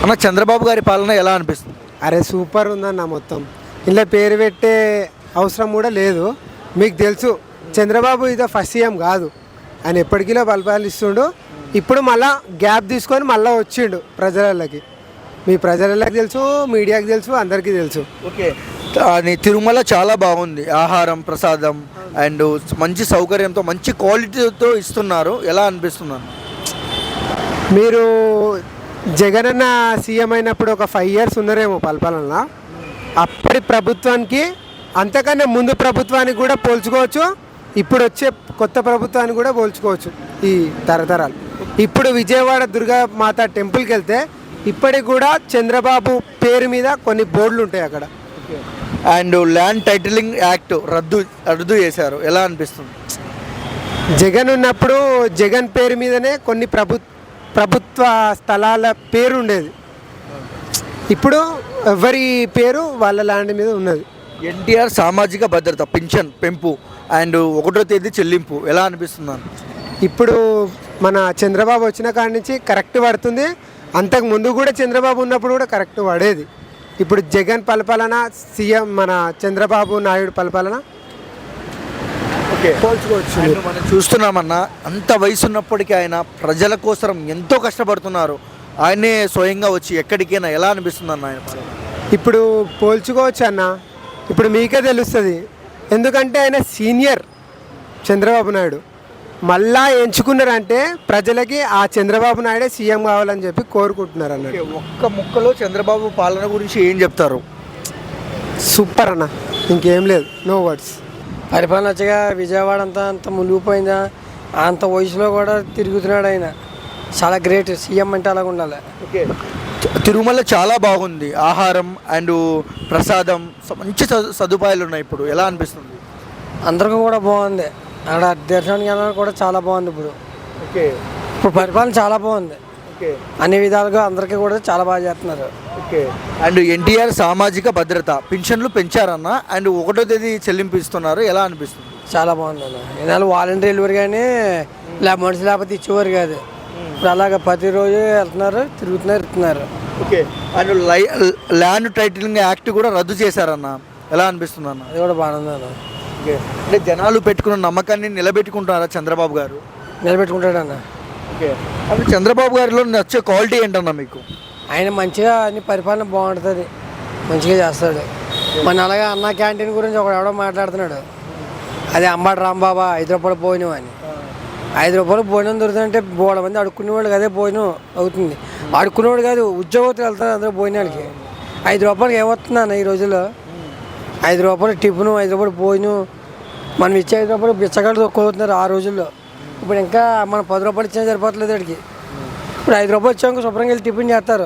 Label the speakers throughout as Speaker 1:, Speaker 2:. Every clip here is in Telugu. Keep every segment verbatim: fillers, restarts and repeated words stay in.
Speaker 1: అన్న చంద్రబాబు గారి పాలన ఎలా అనిపిస్తుంది?
Speaker 2: అరే సూపర్ ఉందన్న మొత్తం. ఇలా పేరు పెట్టే అవసరం కూడా లేదు. మీకు తెలుసు చంద్రబాబు ఇదో ఫస్ట్ సీఎం కాదు, ఆయన ఎప్పటికీలో పరిపాలిస్తుండు. ఇప్పుడు మళ్ళా గ్యాప్ తీసుకొని మళ్ళీ వచ్చిండు ప్రజలకి. మీ ప్రజలకి తెలుసు, మీడియాకి తెలుసు, అందరికీ తెలుసు.
Speaker 1: ఓకే, అని తిరుమల చాలా బాగుంది, ఆహారం ప్రసాదం అండ్ మంచి సౌకర్యంతో మంచి క్వాలిటీతో ఇస్తున్నారు. ఎలా అనిపిస్తున్నారు?
Speaker 2: మీరు జగన్ అన్న సీఎం అయినప్పుడు ఒక ఫైవ్ ఇయర్స్ ఉన్నారేమో పరిపాలన. అప్పటి ప్రభుత్వానికి అంతకన్నా ముందు ప్రభుత్వానికి కూడా పోల్చుకోవచ్చు, ఇప్పుడు వచ్చే కొత్త ప్రభుత్వాన్ని కూడా పోల్చుకోవచ్చు ఈ తరతరాలు. ఇప్పుడు విజయవాడ దుర్గా మాత టెంపుల్కి వెళ్తే ఇప్పటికి కూడా చంద్రబాబు పేరు మీద కొన్ని బోర్డులు ఉంటాయి అక్కడ.
Speaker 1: అండ్ ల్యాండ్ టైటిలింగ్ యాక్ట్ రద్దు రద్దు చేశారు. ఎలా అనిపిస్తుంది?
Speaker 2: జగన్ ఉన్నప్పుడు జగన్ పేరు మీదనే కొన్ని ప్రభు ప్రభుత్వ స్థలాల పేరు ఉండేది. ఇప్పుడు ఎవరి పేరు వాళ్ళ ల్యాండ్ మీద ఉన్నది.
Speaker 1: ఎన్టీఆర్ సామాజిక భద్రత పింఛన్ పెంపు అండ్ ఒకటో తేదీ చెల్లింపు ఎలా అనిపిస్తున్నాను?
Speaker 2: ఇప్పుడు మన చంద్రబాబు వచ్చిన కాడి నుంచి కరెక్ట్ పడుతుంది. అంతకు ముందు కూడా చంద్రబాబు ఉన్నప్పుడు కూడా కరెక్ట్ పడేది. ఇప్పుడు జగన్ పరిపాలన, సీఎం మన చంద్రబాబు నాయుడు పరిపాలన పోల్చుకోవచ్చు.
Speaker 1: మనం చూస్తున్నామన్నా, అంత వయసు ఉన్నప్పటికీ ఆయన ప్రజల కోసం ఎంతో కష్టపడుతున్నారు. ఆయనే స్వయంగా వచ్చి ఎక్కడికైనా ఎలా అనిపిస్తుంది అన్న ఆయన పాలన?
Speaker 2: ఇప్పుడు పోల్చుకోవచ్చు అన్న. ఇప్పుడు మీకే తెలుస్తుంది, ఎందుకంటే ఆయన సీనియర్ చంద్రబాబు నాయుడు. మళ్ళా ఎంచుకున్నారంటే ప్రజలకి ఆ చంద్రబాబు నాయుడే సీఎం కావాలని చెప్పి కోరుకుంటున్నారు అన్న.
Speaker 1: ఒక్క ముక్కలో చంద్రబాబు పాలన గురించి ఏం చెప్తారు?
Speaker 2: సూపర్ అన్న, ఇంకేం లేదు, నో వర్డ్స్.
Speaker 3: పరిపాలన వచ్చగా విజయవాడ అంతా అంత మునిగిపోయిందా, అంత వయసులో కూడా తిరుగుతున్నాడు ఆయన. చాలా గ్రేట్, సీఎం అంటే అలాగ ఉండాలి.
Speaker 1: ఓకే, తిరుమల చాలా బాగుంది, ఆహారం అండ్ ప్రసాదం మంచి సదుపాయాలు ఉన్నాయి. ఇప్పుడు ఎలా అనిపిస్తుంది?
Speaker 3: అందరికీ కూడా బాగుంది. అక్కడ దర్శనానికి వెళ్ళడానికి కూడా చాలా బాగుంది. ఇప్పుడు
Speaker 1: ఓకే,
Speaker 3: ఇప్పుడు పరిపాలన చాలా బాగుంది.
Speaker 1: ఓకే,
Speaker 3: అన్ని విధాలుగా అందరికీ కూడా చాలా బాగా చేస్తున్నారు.
Speaker 1: ఓకే. అండ్ ఎన్టీఆర్ సామాజిక భద్రత పింఛన్లు పెంచారన్న అండ్ ఒకటో తేదీ చెల్లింపు ఇస్తున్నారు. ఎలా అనిపిస్తుంది?
Speaker 3: చాలా బాగుంది అన్న. ఈనాడు వాలంటీర్లు కానీ లే మనుషులు లేకపోతే ఇచ్చేవారు కాదు. ఇప్పుడు అలాగ ప్రతిరోజు వెళ్తున్నారు, తిరుగుతున్నారు, ఇస్తున్నారు.
Speaker 1: ఓకే, అండ్ లై ల్యాండ్ టైటిలింగ్ యాక్ట్ కూడా రద్దు చేశారన్న. ఎలా అనిపిస్తుంది అన్న?
Speaker 3: అది కూడా బాగుంది అన్న.
Speaker 1: ఓకే, అంటే జనాలు పెట్టుకున్న నమ్మకాన్ని నిలబెట్టుకుంటున్నారా చంద్రబాబు గారు?
Speaker 3: నిలబెట్టుకుంటాడన్న.
Speaker 1: ఓకే, అంటే చంద్రబాబు గారిలో నచ్చే క్వాలిటీ ఏంటన్నా మీకు?
Speaker 3: ఆయన మంచిగా అన్ని పరిపాలన బాగుంటుంది, మంచిగా చేస్తాడు. మన అలాగే అన్న క్యాంటీన్ గురించి ఒకడు ఎవడో మాట్లాడుతున్నాడు. అదే అంబాటి రాంబాబా ఐదు రూపాయలు భోజనం అని. ఐదు రూపాయలు భోజనం దొరుకుతుందంటే బోడ మంది అడుక్కునేవాళ్ళు అదే భోజనం అవుతుంది. అడుక్కునేవాడు కాదు, ఉద్యోగస్తులు వెళ్తారు అందరూ భోజనానికి. ఐదు రూపాయలకి ఏమవుతుంది అన్న ఈ రోజుల్లో? ఐదు రూపాయలు టిఫిను, ఐదు రూపాయలు భోజనం. మనం ఇచ్చే ఐదు రూపాయలు బిచ్చగాళ్ళు తొక్కుతున్నారు ఆ రోజుల్లో. ఇప్పుడు ఇంకా మనం పది రూపాయలు ఇచ్చినా సరిపోతలేదు వాడికి. ఇప్పుడు ఐదు రూపాయలు ఇచ్చాక శుభ్రంగా వెళ్ళి టిఫిన్ చేస్తారు.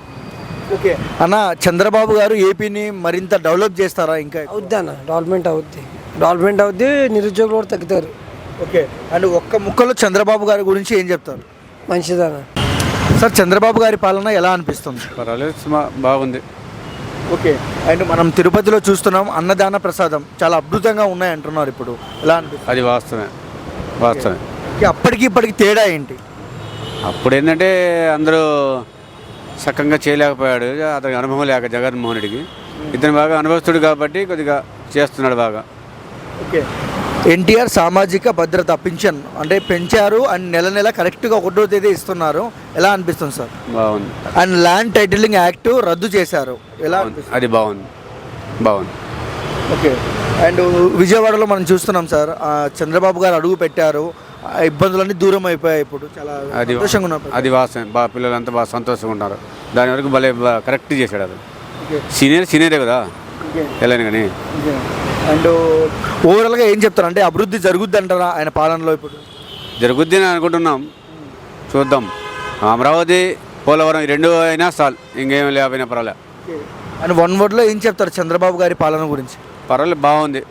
Speaker 1: ఓకే అన్న, చంద్రబాబు గారు ఏపీని మరింత డెవలప్ చేస్తారా? ఇంకా
Speaker 3: అవుద్ది అన్న, డెవలప్మెంట్ అవుద్ది, డెవలప్మెంట్ అవుద్ది, నిరుద్యోగులు కూడా తగ్గుతారు.
Speaker 1: ఓకే, అండ్ ఒక్క ముక్కలో చంద్రబాబు గారి గురించి ఏం చెప్తారు?
Speaker 3: మంచిదన్న.
Speaker 1: సార్, చంద్రబాబు గారి పాలన ఎలా అనిపిస్తుంది?
Speaker 4: పర్వాలేదు, బాగుంది.
Speaker 1: ఓకే, అండ్ మనం తిరుపతిలో చూస్తున్నాం అన్నదాన ప్రసాదం చాలా అద్భుతంగా ఉన్నాయి అంటున్నారు. ఇప్పుడు ఎలా అనిపిస్తుంది?
Speaker 4: అది వాస్తవమే, వాస్తవమే.
Speaker 1: అప్పటికి ఇప్పటికి తేడా ఏంటి?
Speaker 4: అప్పుడు ఏంటంటే అందరూ సక్కంగా చేయలేకపోయాడు, అతనికి అనుభవం లేక జగన్మోహన్ రెడ్డికి. ఇతను బాగా అనుభవస్తుడు కాబట్టి కొద్దిగా చేస్తున్నాడు బాగా.
Speaker 1: ఓకే, ఎన్టీఆర్ సామాజిక భద్రత పింఛన్ అంటే పెంచారు అండ్ నెల నెల కరెక్ట్గా ఒకటో తేదీ ఇస్తున్నారు. ఎలా అనిపిస్తుంది సార్?
Speaker 4: బాగుంది.
Speaker 1: అండ్ ల్యాండ్ టైటిలింగ్ యాక్ట్ రద్దు చేశారు. ఎలా అనిపిస్తుంది?
Speaker 4: అది బాగుంది, బాగుంది.
Speaker 1: ఓకే, అండ్ విజయవాడలో మనం చూస్తున్నాం సార్, చంద్రబాబు గారు అడుగు పెట్టారు, ఇబ్బందులన్నీ దూరం అయిపోయాయి. ఇప్పుడు చాలా
Speaker 4: అది
Speaker 1: సంతోషంగా ఉన్నారు.
Speaker 4: అది వాస్తవం, బాగా పిల్లలంతా బాగా సంతోషంగా ఉన్నారు. దాని వరకు భలే కరెక్ట్ చేశాడు. అది సీనియర్ సీనియరే కదా వెళ్ళాను కానీ.
Speaker 1: అండ్ ఓవరాల్గా ఏం చెప్తారు అంటే అభివృద్ధి జరుగుద్ది అంటారా ఆయన పాలనలో? ఇప్పుడు
Speaker 4: జరుగుద్ది అని అనుకుంటున్నాం, చూద్దాం. అమరావతి, పోలవరం ఈ రెండు అయినా చాలు, ఇంకేం లేకపోయినా పర్వాలేదు.
Speaker 1: అండ్ వన్ వర్డ్లో ఏం చెప్తారు చంద్రబాబు గారి పాలన గురించి?
Speaker 4: పర్వాలేదు, బాగుంది.